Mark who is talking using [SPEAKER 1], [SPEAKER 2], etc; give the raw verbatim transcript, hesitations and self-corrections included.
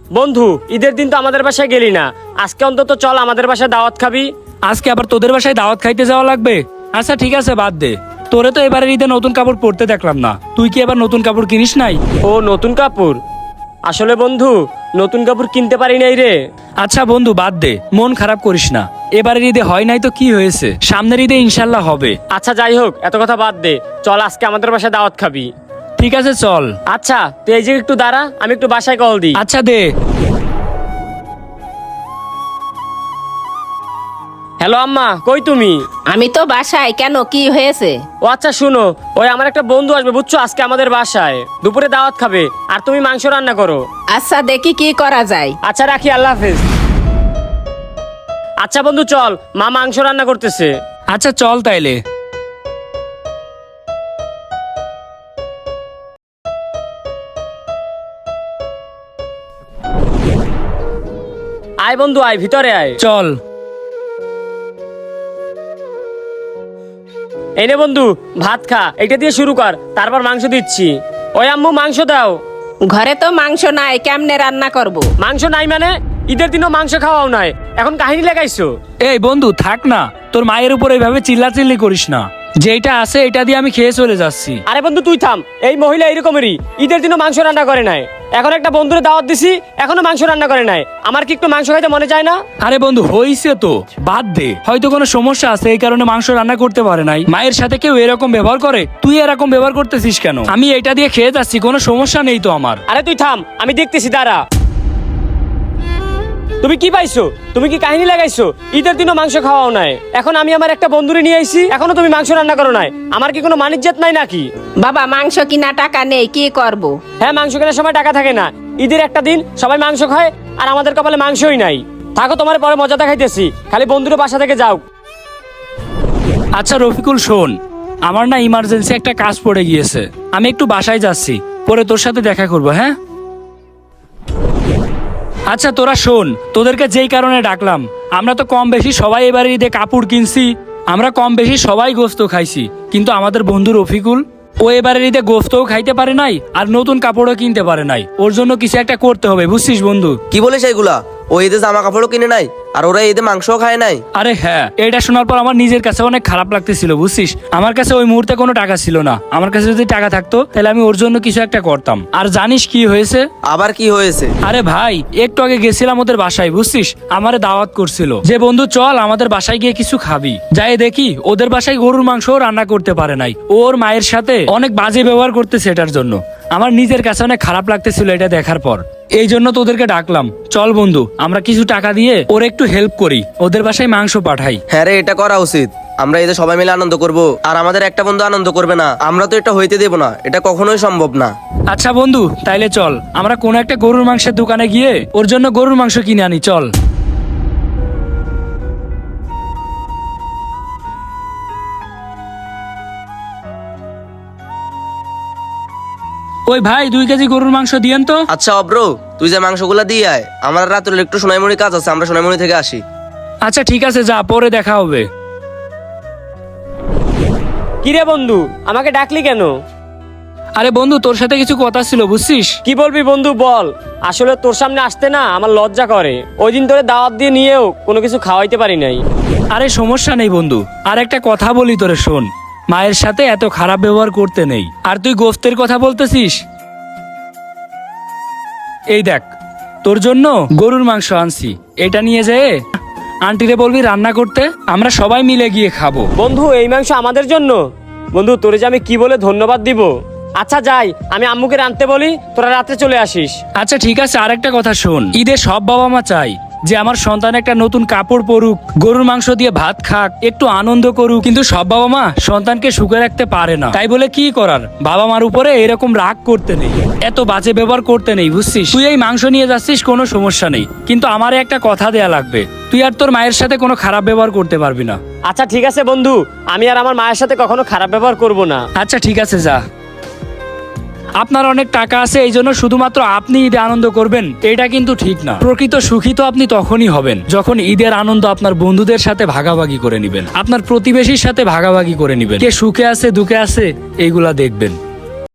[SPEAKER 1] বন্ধু, ঈদের দিন তো আমাদের বাসায় গেলি না, আজকে অন্তত চল আমাদের বাসায় দাওয়াত খাবি।
[SPEAKER 2] আজকে আবার তোদের বাসায় দাওয়াত খাইতে যাওয়া লাগবে? আচ্ছা ঠিক আছে, বাদ দে। তোরে তো এবারে ঈদে নতুন কাপড় পরতে দেখলাম না, তুই কি এবার নতুন কাপড় কিনিস নাই?
[SPEAKER 1] ও নতুন কাপড়? আসলে বন্ধু, নতুন কাপড় কিনতে পারি নাই রে।
[SPEAKER 2] আচ্ছা বন্ধু বাদ দে, মন খারাপ করিস না। এবারের ঈদে হয় নাই তো কি হয়েছে, সামনের ঈদে ইনশাল্লাহ হবে।
[SPEAKER 1] আচ্ছা যাই হোক, এত কথা বাদ দে, চল আজকে আমাদের বাসায় দাওয়াত খাবি।
[SPEAKER 2] ঠিক আছে চল।
[SPEAKER 1] আচ্ছা তুই এই যে একটু দাঁড়া, আমি একটু বাসায় কল দিই।
[SPEAKER 2] আচ্ছা দে।
[SPEAKER 1] হ্যালো আম্মা, কই তুমি?
[SPEAKER 3] আমি তো বাসায়। কেন, কি হয়েছে?
[SPEAKER 1] ও আচ্ছা শুনো, ওই আমার একটা বন্ধু আসবে বুঝছো, আজকে আমাদের বাসায় দুপুরে দাওয়াত খাবে, আর তুমি মাংস রান্না করো।
[SPEAKER 3] আচ্ছা দেখি কি করা যায়।
[SPEAKER 1] আচ্ছা রাখি, আল্লাহ হাফেজ। আচ্ছা বন্ধু চল, মা মাংস রান্না করতেছে।
[SPEAKER 2] আচ্ছা চল তাইলে।
[SPEAKER 1] আয় বন্ধু আয়, ভিতরে আয়।
[SPEAKER 2] চল।
[SPEAKER 1] এই নে বন্ধু, ভাত খা, এটা দিয়ে শুরু কর, তারপর মাংস দিচ্ছি। ওই আম্মু মাংস দাও।
[SPEAKER 3] ঘরে তো মাংস নাই, কেমনে রান্না করব?
[SPEAKER 1] মাংস নাই মানে? ঈদের দিনও মাংস খাওয়াও নাই, এখন কাহিনী লাগাইছো?
[SPEAKER 2] এই বন্ধু থাক না, তোর মায়ের উপর এইভাবে চিল্লাচিল্লি করিস না। যেটা আছে এটা দিয়ে আমি খেয়ে চলে যাচ্ছি।
[SPEAKER 1] আরে বন্ধু তুই থাম, এই মহিলা এরকমেরই, ঈদের দিনও মাংস রান্না করে নাই। এখন একটা বন্ধুরে দাওয়াত দিছি, এখনো মাংস রান্না করে নাই। আমার কি একটু মাংস খাইতে মনে চায় না?
[SPEAKER 2] আরে বন্ধু হইছে তো, বাদ দে। হয়তো কোনো সমস্যা আছে, এই কারণে মাংস রান্না করতে পারে নাই। মায়ের সাথে কেউ এরকম ব্যবহার করে, তুই এরকম ব্যবহার করতেছিস কেন? আমি এটা দিয়ে খেয়ে যাচ্ছি, কোনো সমস্যা নেই তো আমার।
[SPEAKER 1] আরে তুই থাম, আমি দেখতেছি, দাঁড়া। তুমি কি পাইছো? তুমি কি কাহিনী লাগাইছো? ঈদের দিনও মাংস খাওয়াও নাই, এখন আমি আমার একটা বন্ধুরে নিয়ে আইছি, এখনো তুমি মাংস রান্না করো নাই। আমার কি কোনো মানিজ্জাত নাই নাকি?
[SPEAKER 3] বাবা মাংস কিনা টাকা নেই, কি করব?
[SPEAKER 1] হ্যাঁ, মাংস কেনার সময় টাকা থাকে না, ঈদের একটা দিন সবাই মাংস খায়, আর আমাদের কপালে মাংসই নাই। থাকো, তোমার পরে মজা দেখাইতেছি, খালি বন্ধুরে বাসা থেকে যাও।
[SPEAKER 2] আচ্ছা রফিকুল শোন, আমার না ইমার্জেন্সি একটা কাজ পড়ে গিয়েছে, আমি একটু বাসায় যাচ্ছি, পরে তোর সাথে দেখা করবো। হ্যাঁ আচ্ছা তোরা শোন, তোদেরকে যেই কারণে ডাকলাম, আমরা তো কম বেশি সবাই এবারে ঈদে কাপড় কিনছি, আমরা কম বেশি সবাই গোস্ত খাইছি, কিন্তু আমাদের বন্ধু রফিকুল ও এবারে ঈদে গোস্তও খাইতে পারে নাই, আর নতুন কাপড়ও কিনতে পারে নাই। ওর জন্য কিছু একটা করতে হবে, বুঝছিস বন্ধু?
[SPEAKER 4] কি বলিস এইগুলা? ও ঈদে জামা কাপড়ও কিনে নাই, আর ওরা ঈদে মাংসও খায় নাই?
[SPEAKER 2] আরে হ্যাঁ, এটা শোনার পর আমার নিজের কাছে অনেক খারাপ লাগতেছিল, বুঝছিস? আমার কাছে ওই মুহূর্তে কোনো টাকা ছিল না, আমার কাছে যদি টাকা থাকতো তাহলে আমি ওর জন্য কিছু একটা করতাম। আর জানিস কি হয়েছে?
[SPEAKER 4] আবার কি হয়েছে?
[SPEAKER 2] আরে ভাই, একটু আগে গেছিলাম ওদের বাসায়, বুঝছিস? আমারে দাওয়াত করছিল যে বন্ধু চল আমাদের বাসায় গিয়ে কিছু খাবি। যাই দেখি ওদের বাসায় গরুর মাংস রান্না করতে পারে নাই, ওর মায়ের সাথে অনেক বাজে ব্যবহার করতেছে। এটার জন্য আমার নিজের কাছে অনেক খারাপ লাগতেছিল এটা দেখার পর, এই জন্য তোদেরকে ডাকলাম। চল বন্ধু, আমরা কিছু টাকা দিয়ে ওর একটু হেল্প করি, ওদের বাসায় মাংস পাঠাই।
[SPEAKER 4] হ্যাঁ রে, এটা করা উচিত। আমরা ঈদে সবাই মিলে আনন্দ করব, আর আমাদের একটা বন্ধু আনন্দ করবে না, আমরা তো এটা হইতে দেব না, এটা কখনোই সম্ভব না।
[SPEAKER 2] আচ্ছা বন্ধু তাইলে চল আমরা কোনো একটা গরুর মাংসের দোকানে গিয়ে ওর জন্য গরুর মাংস কিনে আনি, চল। ওই ভাই, দুই কেজি গরুর মাংস দিয়েন তো।
[SPEAKER 4] আচ্ছা অব্র, তুই যে মাংসগুলা দিয়ে আয়, আমার রাত্রে একটু সোনাইমণি কাজ আছে, আমরা সোনাইমণি থেকে আসি।
[SPEAKER 2] আচ্ছা ঠিক আছে, যা, পরে দেখা হবে।
[SPEAKER 1] কিরে বন্ধু, আমাকে ডাকলি কেন?
[SPEAKER 2] আরে বন্ধু তোর সাথে কিছু কথা ছিল, বুঝছিস?
[SPEAKER 1] কি বলবি বন্ধু বল। আসলে তোর সামনে আসতে না আমার লজ্জা করে, ওই দিন তোরে দাওয়াত দিয়ে নিয়েও কোনো কিছু খাওয়াইতে পারি নাই।
[SPEAKER 2] আরে সমস্যা নেই বন্ধু, আর একটা কথা বলি তোরে, শোন। মায়ের সাথে এত খারাপ ব্যবহার করতে নেই। আর তুই গোফতের কথা বলতেছিস, এই দেখ তোর জন্য গরুর মাংস আনছি, এটা নিয়ে যেয়ে আন্টিরে বলবি রান্না করতে, আমরা সবাই মিলে গিয়ে খাবো।
[SPEAKER 1] বন্ধু এই মাংস আমাদের জন্য? বন্ধু তোরে যে আমি কি বলে ধন্যবাদ দিব। আচ্ছা যাই, আমি আম্মুকে রাঁধতে বলি, তোরা রাতে চলে আসিস।
[SPEAKER 2] আচ্ছা ঠিক আছে, আরেকটা কথা শোন, ঈদে সব বাবা মা চাই যে আমার সন্তান একটা নতুন কাপড় পরুক, গরুর মাংস দিয়ে ভাত খাক, একটু আনন্দ করুক, কিন্তু সব বাবা মা সন্তানকে সুখে রাখতে পারে না। তাই বলে কি করার, বাবা মার উপরে এরকম রাগ করতে নেই, এত বাজে ব্যবহার করতে নেই, বুঝছিস? তুই এই মাংস নিয়ে যাচ্ছিস, কোনো সমস্যা নেই, কিন্তু আমারে একটা কথা দেয়া লাগবে, তুই আর তোর মায়ের সাথে কোনো খারাপ ব্যবহার করতে পারবি না।
[SPEAKER 1] আচ্ছা ঠিক আছে বন্ধু, আমি আর আমার মায়ের সাথে কখনো খারাপ ব্যবহার করব না।
[SPEAKER 2] আচ্ছা ঠিক আছে, যা। আপনার অনেক টাকা আছে, এই জন্য শুধুমাত্র আপনি ঈদে আনন্দ করবেন, এটা কিন্তু ঠিক না। প্রকৃত সুখী তো আপনি তখনই হবেন যখন ঈদের আনন্দ আপনার বন্ধুদের সাথে ভাগাভাগি করে নিবেন, আপনার প্রতিবেশীর সাথে ভাগাভাগি করে নিবেন, কে সুখে আছে দুঃখে আছে এইগুলা দেখবেন।